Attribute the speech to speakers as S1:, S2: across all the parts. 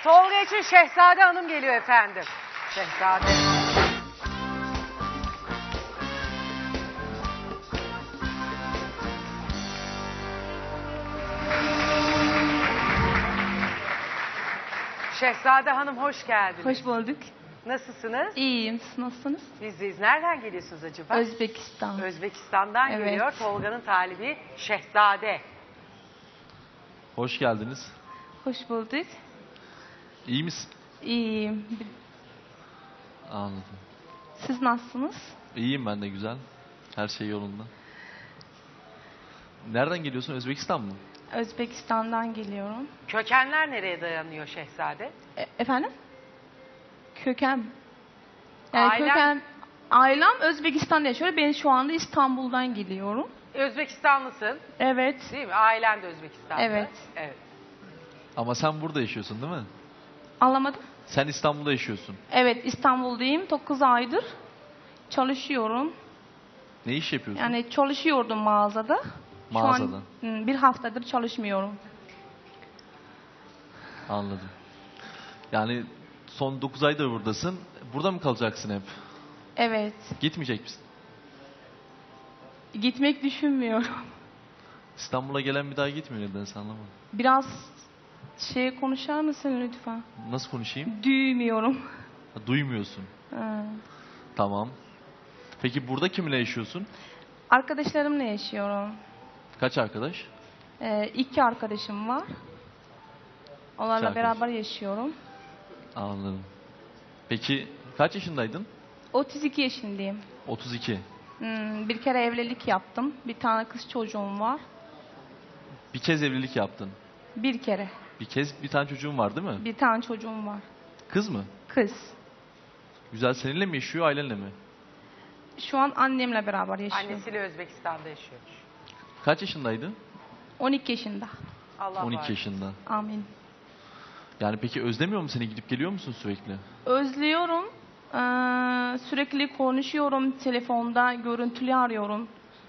S1: Tolga için Şehzade Hanım geliyor efendim. Şehzade. Şehzade Hanım hoş geldiniz.
S2: Hoş bulduk.
S1: Nasılsınız?
S2: İyiyim. Siz nasılsınız?
S1: Biz. Nereden geliyorsunuz acaba?
S2: Özbekistan.
S1: Özbekistan'dan
S2: Evet.
S1: geliyor. Tolga'nın talibi Şehzade.
S3: Hoş geldiniz.
S2: Hoş bulduk.
S3: İyi misin?
S2: İyiyim.
S3: Anladım.
S2: Siz nasılsınız?
S3: İyiyim ben de, güzel. Her şey yolunda. Nereden geliyorsun? Özbekistan mı?
S2: Özbekistan'dan geliyorum.
S1: Kökenler nereye dayanıyor Şehzade?
S2: Efendim? Köken. Yani
S1: Ailen-
S2: ailem Özbekistan'da yaşıyor. Ben şu anda İstanbul'dan geliyorum.
S1: Özbekistanlısın
S2: Evet.
S1: değil mi? Ailen de Özbekistanlı.
S2: Evet.
S1: Evet.
S3: Ama sen burada yaşıyorsun değil mi?
S2: Anlamadım.
S3: Sen İstanbul'da yaşıyorsun.
S2: Evet, İstanbul'dayım. 9 aydır çalışıyorum.
S3: Ne iş yapıyorsun?
S2: Yani çalışıyordum mağazada.
S3: Mağazada.
S2: Şu an bir haftadır çalışmıyorum.
S3: Anladım. Yani son 9 aydır buradasın. Burada mı kalacaksın hep?
S2: Evet.
S3: Gitmeyecek misin?
S2: Gitmek düşünmüyorum.
S3: İstanbul'a gelen bir daha gitmiyor, nedense anlamadım.
S2: Biraz konuşar mısın lütfen?
S3: Nasıl konuşayım?
S2: Duymuyorum.
S3: Ha, duymuyorsun.
S2: Ha.
S3: Tamam. Peki burada kiminle yaşıyorsun?
S2: Arkadaşlarımla yaşıyorum.
S3: Kaç arkadaş?
S2: 2 arkadaşım var. Onlarla
S3: arkadaş.
S2: beraber yaşıyorum.
S3: Anladım. Peki kaç yaşındaydın?
S2: 32 yaşındayım.
S3: 32.
S2: Bir kere evlilik yaptım. Bir tane kız çocuğum var.
S3: Bir kez evlilik yaptın.
S2: Bir kere.
S3: Bir tane çocuğun var değil mi?
S2: Bir tane çocuğum var.
S3: Kız mı?
S2: Kız.
S3: Güzel, seninle mi yaşıyor, ailenle mi?
S2: Şu an annemle beraber yaşıyor.
S1: Annesiyle Özbekistan'da yaşıyor.
S3: Kaç yaşındaydı?
S2: 12 yaşında.
S1: Allah
S3: 12
S1: var.
S3: yaşında.
S2: Amin.
S3: Yani peki özlemiyor mu seni? Gidip geliyor musun sürekli?
S2: Özlüyorum. Sürekli konuşuyorum telefonda, görüntülü arıyorum.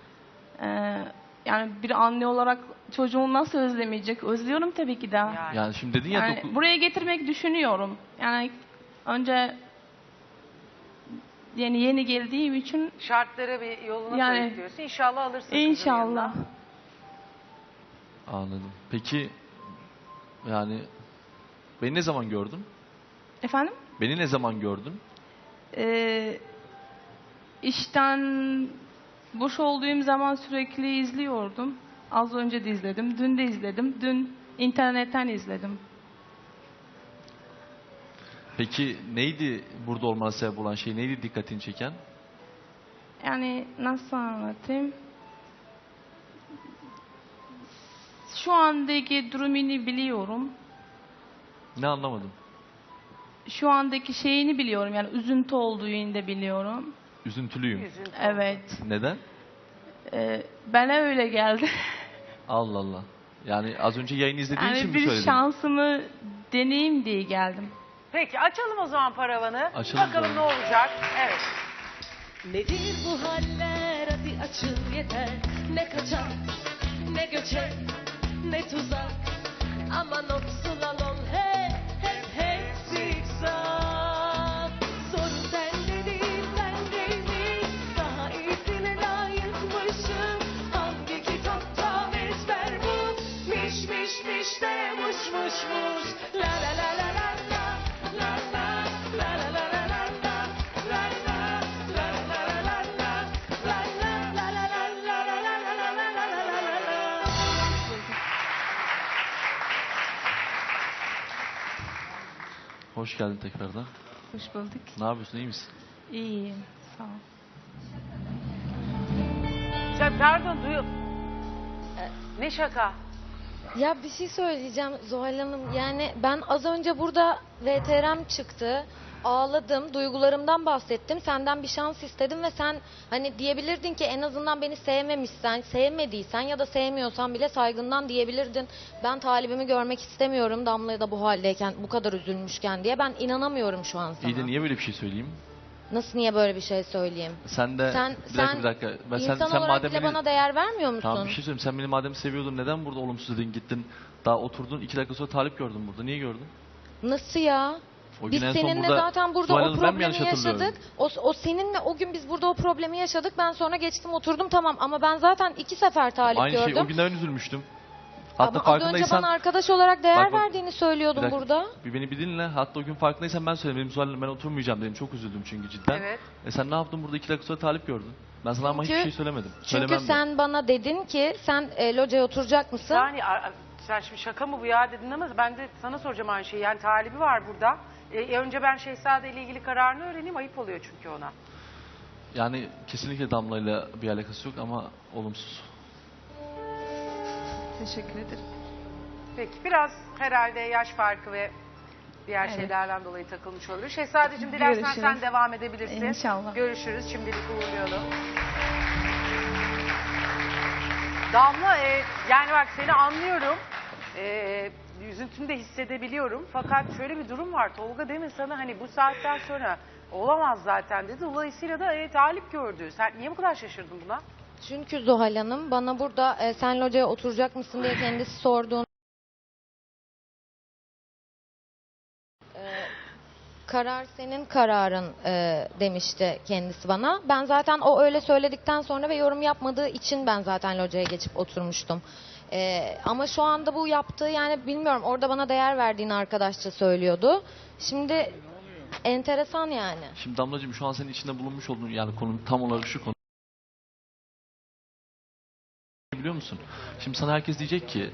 S2: Yani bir anne olarak çocuğumu nasıl özlemeyecek? Özlüyorum tabii ki de.
S3: Yani şimdi dedin ya...
S2: Yani buraya getirmek düşünüyorum. Yani önce yeni geldiğim için
S1: Şartları bir yoluna
S2: Yani-
S1: koyup diyorsun. İnşallah alırsın kızın
S2: inşallah.
S1: yanına.
S3: Anladım. Peki yani beni ne zaman gördün?
S2: Efendim?
S3: Beni ne zaman gördün?
S2: İşten boş olduğum zaman sürekli izliyordum. Az önce de izledim. Dün de izledim. Dün internetten izledim.
S3: Peki neydi burada olmana sebep olan şey? Neydi dikkatini çeken?
S2: Yani nasıl anlatayım? Şu andaki durumunu biliyorum.
S3: Ne anlamadım.
S2: Şu andaki şeyini biliyorum. Yani üzüntü olduğunu da biliyorum.
S3: Üzüntülüyüm.
S1: Üzüntü.
S2: Evet.
S3: Neden?
S2: Bana öyle geldi.
S3: Allah Allah. Yani az önce yayını izlediğin için
S2: Yani
S3: mi
S2: bir
S3: söyledin?
S2: şansımı deneyeyim diye geldim.
S1: Peki açalım o zaman paravanı.
S3: Açalım
S1: Bakalım
S3: canım.
S1: ne olacak. Evet.
S4: Nedir bu haller, hadi açıl yeter. Ne kaçak ne göçek ne tuzak. Aman o slalom hep zikzak. Sorun sende değil bendeymiş. Daha iyisine layıkmışım. Hangi kitapta ezber bu? Miş de muş. La la la la la la. La la la la la la la la. La la la la la la la. La la la la la la la la la la la.
S3: Hoş geldin tekrardan.
S2: Hoş bulduk.
S3: Ne yapıyorsun, iyi misin?
S2: İyiyim. Sağ ol.
S1: Sen pardon Ne şaka?
S5: Ya bir şey söyleyeceğim Zuhal Hanım. Yani ben az önce burada VTR'm çıktı. Ağladım, duygularımdan bahsettim. Senden bir şans istedim ve sen hani diyebilirdin ki en azından beni sevmemişsen, sevmediysen ya da sevmiyorsan bile saygından diyebilirdin. Ben talibimi görmek istemiyorum Damla'ya da bu haldeyken, bu kadar üzülmüşken diye. Ben inanamıyorum şu an sana.
S3: İyi de niye böyle bir şey söyleyeyim?
S5: Nasıl niye böyle bir şey söyleyeyim?
S3: Sen de
S5: Sen
S3: bir dakika.
S5: insan
S3: sen
S5: olarak
S3: madem
S5: bile
S3: beni...
S5: bana değer vermiyor musun?
S3: Tamam, bir şey söyleyeyim. Sen beni madem seviyordun, neden burada olumsuz dedin, gittin? Daha oturdun, 2 dakika sonra talip gördün burada. Niye gördün?
S5: Nasıl ya?
S3: O gün
S5: Biz
S3: en son
S5: seninle
S3: burada
S5: zaten burada
S3: Zuhal
S5: o
S3: Hanım, ben mi yanlış
S5: problemi
S3: hatırlıyorum?
S5: yaşadık. O seninle o gün biz burada o problemi yaşadık. Ben sonra geçtim oturdum tamam ama ben zaten 2 sefer talip
S3: Aynı
S5: gördüm.
S3: şey o günden üzülmüştüm. Hatta
S5: Ama az önce
S3: farkındaysan
S5: bana arkadaş olarak değer
S3: Bak, bak.
S5: verdiğini
S3: Bir
S5: söylüyordun
S3: dakika,
S5: burada.
S3: bir beni bir dinle. Hatta o gün farkındaysan ben söyledim. Dedim Zuhal Hanım, ben oturmayacağım dedim. Çok üzüldüm çünkü cidden.
S1: Evet.
S3: Sen ne yaptın burada 2 dakika sonra talip gördün. Ben sana ama
S5: Çünkü-
S3: hiçbir şey söylemedim.
S5: Çünkü
S3: Söylemem de.
S5: sen bana dedin ki sen locaya oturacak mısın?
S1: Yani sen şimdi şaka mı bu ya dedin ama ben de sana soracağım aynı şeyi. Yani talibi var burada. Önce ben Şehzade ile ilgili kararını öğreneyim. Ayıp oluyor çünkü ona.
S3: Yani kesinlikle Damla'yla bir alakası yok ama olumsuz.
S2: Teşekkür ederim.
S1: Peki biraz herhalde yaş farkı ve diğer
S2: Evet.
S1: şeylerden dolayı takılmış olabilir. Şehzadeciğim dilersen
S2: Görüşürüz.
S1: sen devam edebilirsin.
S2: İnşallah.
S1: Görüşürüz. Şimdilik uğurlayalım. Damla yani bak seni anlıyorum. Üzüntünü de hissedebiliyorum. Fakat şöyle bir durum var. Tolga demin sana hani bu saatten sonra olamaz zaten dedi. Dolayısıyla da talip gördü. Sen niye bu kadar şaşırdın buna?
S5: Çünkü Zuhal Hanım bana burada sen locaya oturacak mısın diye kendisi sorduğun karar senin kararın demişti kendisi bana. Ben zaten o öyle söyledikten sonra ve yorum yapmadığı için ben zaten locaya geçip oturmuştum. Ama şu anda bu yaptığı yani bilmiyorum orada bana değer verdiğini arkadaşça söylüyordu. Şimdi enteresan yani.
S3: Şimdi Damlacığım şu an senin içinde bulunmuş olduğun yani konu tam olarak şu konu. Biliyor musun? Şimdi sana herkes diyecek ki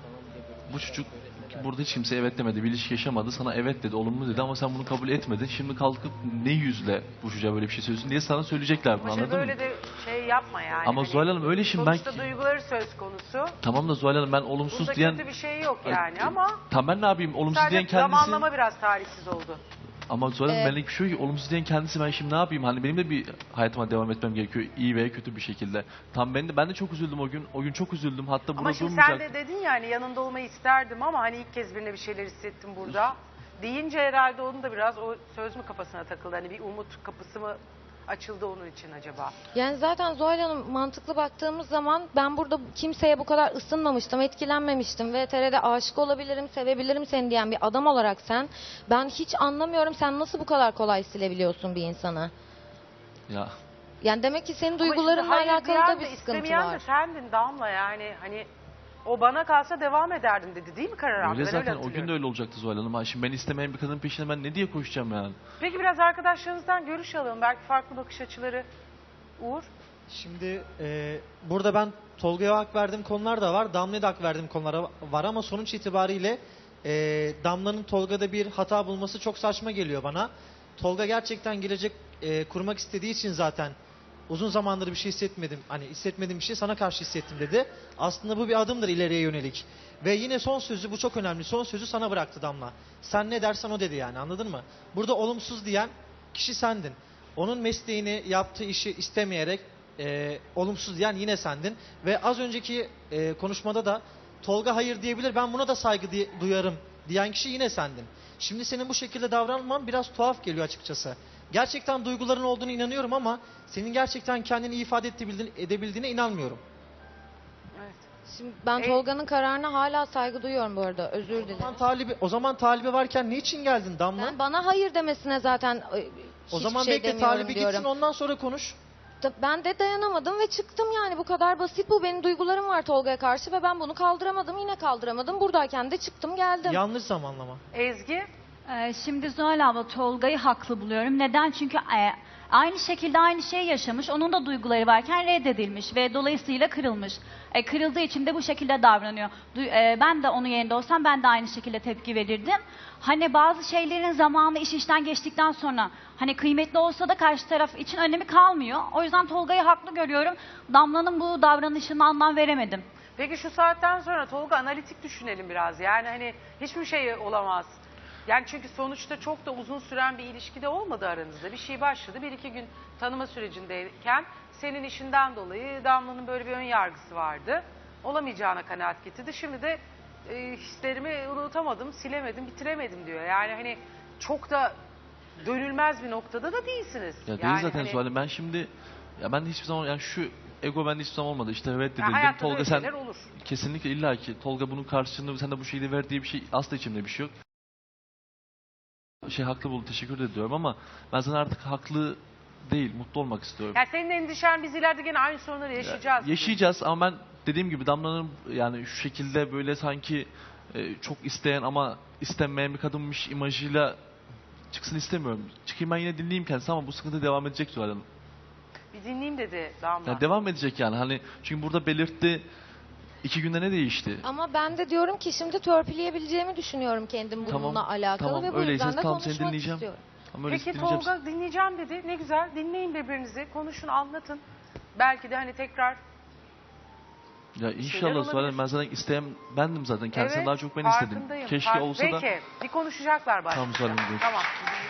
S3: bu çocuk burada hiç kimse evet demedi, bir ilişki yaşamadı, sana evet dedi, olumlu dedi ama sen bunu kabul etmedin. Şimdi kalkıp ne yüzle bu çocuğa böyle bir şey söylüyorsun diye sana söyleyecekler bunu,
S1: Ama şimdi
S3: anladın mı?
S1: böyle de şey yapma yani.
S3: Ama
S1: Hani
S3: Zuhal Hanım öyle şimdi ben...
S1: sonuçta duyguları söz konusu.
S3: Tamam da Zuhal Hanım ben olumsuz
S1: Bunda
S3: diyen...
S1: kötü bir şey yok yani ama
S3: Tamam ben ne yapayım, olumsuz diyen
S1: sadece
S3: kendisi...
S1: zamanlama biraz talihsiz oldu.
S3: Ama Zuhal Hanım benlik bir şey yok ki, olumsuz diyen kendisi, ben şimdi ne yapayım? Hani benim de bir hayatıma devam etmem gerekiyor iyi veya kötü bir şekilde. Tam ben de çok üzüldüm o gün. O gün çok üzüldüm. Hatta
S1: Ama
S3: burada
S1: şimdi
S3: durmayacak.
S1: sen de dedin yani yanında olmayı isterdim ama hani ilk kez birine bir şeyler hissettim burada. Deyince herhalde onun da biraz o söz mü kafasına takıldı? Hani bir umut kapısı mı açıldı onun için acaba?
S5: Yani zaten Zuhal Hanım mantıklı baktığımız zaman ben burada kimseye bu kadar ısınmamıştım, etkilenmemiştim. VTR'de aşık olabilirim, sevebilirim seni diyen bir adam olarak ben hiç anlamıyorum sen nasıl bu kadar kolay silebiliyorsun bir insanı?
S3: Ya
S5: Yani demek ki senin
S1: Ama şimdi
S5: duygularınla
S1: hayır
S5: alakalı
S1: diyen
S5: da
S1: de
S5: bir sıkıntı
S1: istemeyen de
S5: var.
S1: sendin Damla yani hani o bana kalsa devam ederdim dedi değil mi karar aldı?
S3: öyle
S1: Ben
S3: zaten o
S1: hatırlıyorum.
S3: gün de öyle olacaktı Zuhal Hanım. Ha, şimdi ben istemeyen bir kadının peşine ben ne diye koşacağım yani?
S1: Peki biraz arkadaşlarınızdan görüş alalım. Belki farklı bakış açıları. Uğur.
S6: Şimdi burada ben Tolga'ya hak verdiğim konular da var. Damla'ya da hak verdiğim konular var ama sonuç itibariyle Damla'nın Tolga'da bir hata bulması çok saçma geliyor bana. Tolga gerçekten gelecek kurmak istediği için zaten uzun zamandır bir şey hissetmedim. Hani hissetmediğim bir şey sana karşı hissettim dedi. Aslında bu bir adımdır ileriye yönelik. Ve yine son sözü, bu çok önemli. Son sözü sana bıraktı Damla. Sen ne dersen o dedi yani, anladın mı? Burada olumsuz diyen kişi sendin. Onun mesleğini, yaptığı işi istemeyerek olumsuz diyen yine sendin. Ve az önceki konuşmada da Tolga hayır diyebilir, ben buna da saygı duyarım diyen kişi yine sendin. Şimdi senin bu şekilde davranman biraz tuhaf geliyor açıkçası. Gerçekten duyguların olduğunu inanıyorum ama senin gerçekten kendini iyi ifade edebildiğine inanmıyorum.
S1: Evet.
S5: Şimdi ben Tolga'nın kararına hala saygı duyuyorum bu arada. Özür dilerim.
S6: O zaman talibi varken niçin geldin Damla?
S5: Ben bana hayır demesine zaten
S6: O zaman
S5: şey
S6: bekle
S5: demiyorum
S6: talibi
S5: diyorum.
S6: gitsin, ondan sonra konuş.
S5: Ben de dayanamadım ve çıktım yani bu kadar basit bu. Benim duygularım var Tolga'ya karşı ve ben bunu kaldıramadım. Yine kaldıramadım. Buradayken de çıktım geldim.
S6: Yanlış zamanlama.
S1: Ezgi.
S7: Şimdi Zuhal abla Tolga'yı haklı buluyorum. Neden? Çünkü aynı şekilde aynı şeyi yaşamış. Onun da duyguları varken reddedilmiş ve dolayısıyla kırılmış. Kırıldığı için de bu şekilde davranıyor. Ben de onun yerinde olsam ben de aynı şekilde tepki verirdim. Hani bazı şeylerin zamanı iş işten geçtikten sonra hani kıymetli olsa da karşı taraf için önemi kalmıyor. O yüzden Tolga'yı haklı görüyorum. Damla'nın bu davranışına anlam veremedim.
S1: Peki şu saatten sonra Tolga analitik düşünelim biraz. Yani hani hiçbir şey olamaz. Yani çünkü sonuçta çok da uzun süren bir ilişkide olmadı aranızda. Bir şey başladı. 1-2 gün tanıma sürecindeyken senin işinden dolayı Damla'nın böyle bir ön yargısı vardı. Olamayacağına kanaat getirdi. Şimdi de hislerimi unutamadım, silemedim, bitiremedim diyor. Yani hani çok da dönülmez bir noktada da değilsiniz.
S3: Ya değil
S1: yani
S3: zaten
S1: hani,
S3: Zuhal Hanım. Ben şimdi ya ben hiçbir zaman yani şu ego bende hiçbir zaman olmadı. İşte reddedildim.
S1: hayatta da
S3: Tolga
S1: öyle
S3: sen
S1: şeyler olur.
S3: kesinlikle illa ki Tolga bunun karşılığını sen de bu şekilde ver diye bir şey asla içimde bir şey yok. Haklı buldu, teşekkür ediyorum ama ben sana artık haklı değil, mutlu olmak istiyorum.
S1: Yani senin endişen biz ileride gene aynı sorunları yaşayacağız.
S3: Yaşayacağız ama ben dediğim gibi Damla'nın yani şu şekilde böyle sanki çok isteyen ama istenmeyen bir kadınmış imajıyla çıksın istemiyorum. Çıkayım ben yine dinleyeyim kendisi ama bu sıkıntı devam edecek Zuhal Hanım.
S1: Bir dinleyeyim dedi Damla.
S3: Yani devam edecek yani hani çünkü burada belirtti 2 günde ne değişti?
S5: Ama ben de diyorum ki şimdi törpüleyebileceğimi düşünüyorum kendim bununla
S3: Tamam,
S5: alakalı
S3: tamam,
S5: ve bu
S3: öyleyse
S5: yüzden de
S3: tamam, seni
S5: konuşmak
S3: dinleyeceğim.
S5: istiyorum.
S3: Ama öyle
S1: Peki
S3: dinleyeceğim.
S1: Tolga dinleyeceğim dedi. Ne güzel. Dinleyin birbirinizi. Konuşun, anlatın. Belki de hani tekrar
S3: Ya
S1: şeyler
S3: inşallah Zuhal Hanım,
S1: olabilir.
S3: ben zaten isteyen bendim zaten. Kendisinden
S1: evet,
S3: daha çok ben istedim.
S1: farkındayım.
S3: Keşke olsa da
S1: Peki. Bir konuşacaklar başta.
S3: Tamam, Zuhal Hanım, görüşürüz.
S1: Tamam.